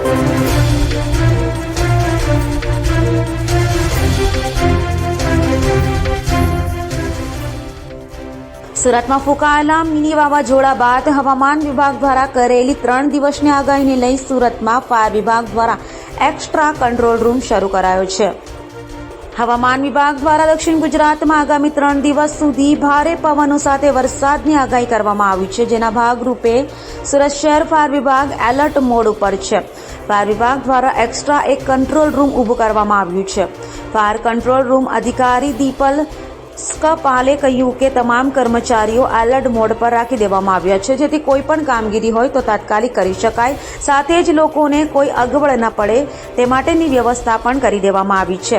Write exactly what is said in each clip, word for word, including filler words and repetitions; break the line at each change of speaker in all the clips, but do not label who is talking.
સુરતમાં ફૂંકાયેલા મિની વાવાઝોડા બાદ હવામાન વિભાગ દ્વારા કરેલી ત્રણ દિવસની આગાહીને લઈ સુરતમાં ફાયર વિભાગ દ્વારા એક્સ્ટ્રા કંટ્રોલ રૂમ શરૂ કરાયો છે. હવામાન વિભાગ દ્વારા દક્ષિણ ગુજરાતમાં આગામી ત્રણ દિવસ સુધી ભારે પવનો સાથે વરસાદની આગાહી કરવામાં આવી છે, જેના ભાગરૂપે સુરત શહેર ફાયર વિભાગ એલર્ટ મોડ ઉપર છે. ફાયર વિભાગ દ્વારા એક્સ્ટ્રા એક કંટ્રોલ રૂમ ઊભું કરવામાં આવ્યું છે. ફાયર કંટ્રોલ રૂમ અધિકારી દીપલ સ્કપાલે કહ્યું કે તમામ કર્મચારીઓ એલર્ટ મોડ પર રાખી દેવામાં આવ્યા છે, જેથી કોઈ પણ કામગીરી હોય તો તાત્કાલિક કરી શકાય. સાથે જ લોકોને કોઈ અગવડ ન પડે તે માટેની વ્યવસ્થા પણ કરી દેવામાં આવી છે.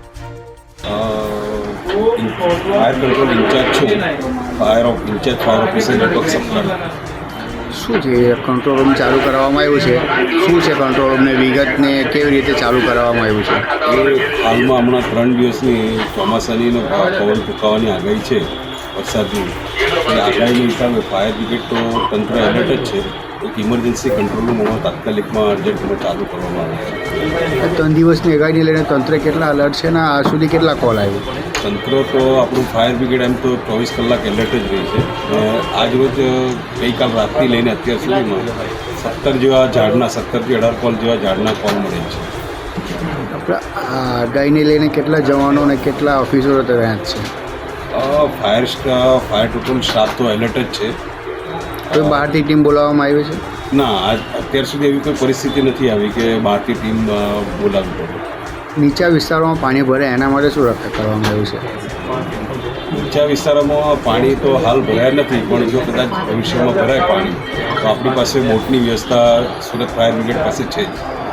ફાયર કંટ્રોલ ઇન્ચાર્જ છું, fire of incharge fire officer Deepak Saptah.
શું છે કંટ્રોલ રૂમ ચાલુ કરવામાં આવ્યું છે? શું છે કંટ્રોલ રૂમને વિગતને કેવી રીતે ચાલુ કરવામાં આવ્યું છે?
એ હાલમાં હમણાં ત્રણ દિવસની ચોમાસાનીનો પવન ફૂંકાવાની આગાહી છે, વરસાદની. એ આગાહીના હિસાબે ફાયર બ્રિગેડ તો તંત્ર એલર્ટ જ છે. એક ઇમરજન્સી કંટ્રોલ રૂમ હમણાં તાત્કાલિકમાં અર્જન્ટમાં ચાલુ કરવામાં આવે છે.
ત્રણ દિવસની આગાહીને લઈને તંત્ર કેટલા અલર્ટ છે ને આ સુધી કેટલા કોલ આવ્યો?
તંત્ર તો આપણું ફાયર બ્રિગેડ એમ તો ચોવીસ કલાક એલર્ટ જ રહી છે. આજ રોજ ગઈકાલ રાતથી લઈને અત્યાર સુધીમાં સત્તર જેવા ઝાડના સત્તરથી અઢાર કોલ જેવા ઝાડના કોલ મળે છે.
આપણે આ આગાહીને લઈને કેટલા જવાનો અને કેટલા ઓફિસરો તૈયાર છે?
Fire staff fire total staff તો એલર્ટ જ છે.
કોઈ બહારથી ટીમ બોલાવવામાં આવી છે?
ના, આજ અત્યાર સુધી એવી કોઈ પરિસ્થિતિ નથી આવી કે બહારથી ટીમ બોલાવવી પડે.
નીચા વિસ્તારોમાં પાણી ભરે એના માટે શું રક્ષા કરવામાં આવ્યું છે?
નીચા વિસ્તારોમાં પાણી તો હાલ ભરાયા નથી, પણ જો કદાચ ભવિષ્યમાં ભરાય પાણી તો આપણી પાસે બોટની વ્યવસ્થા સુરત ફાયર બ્રિગેડ પાસે છે જ.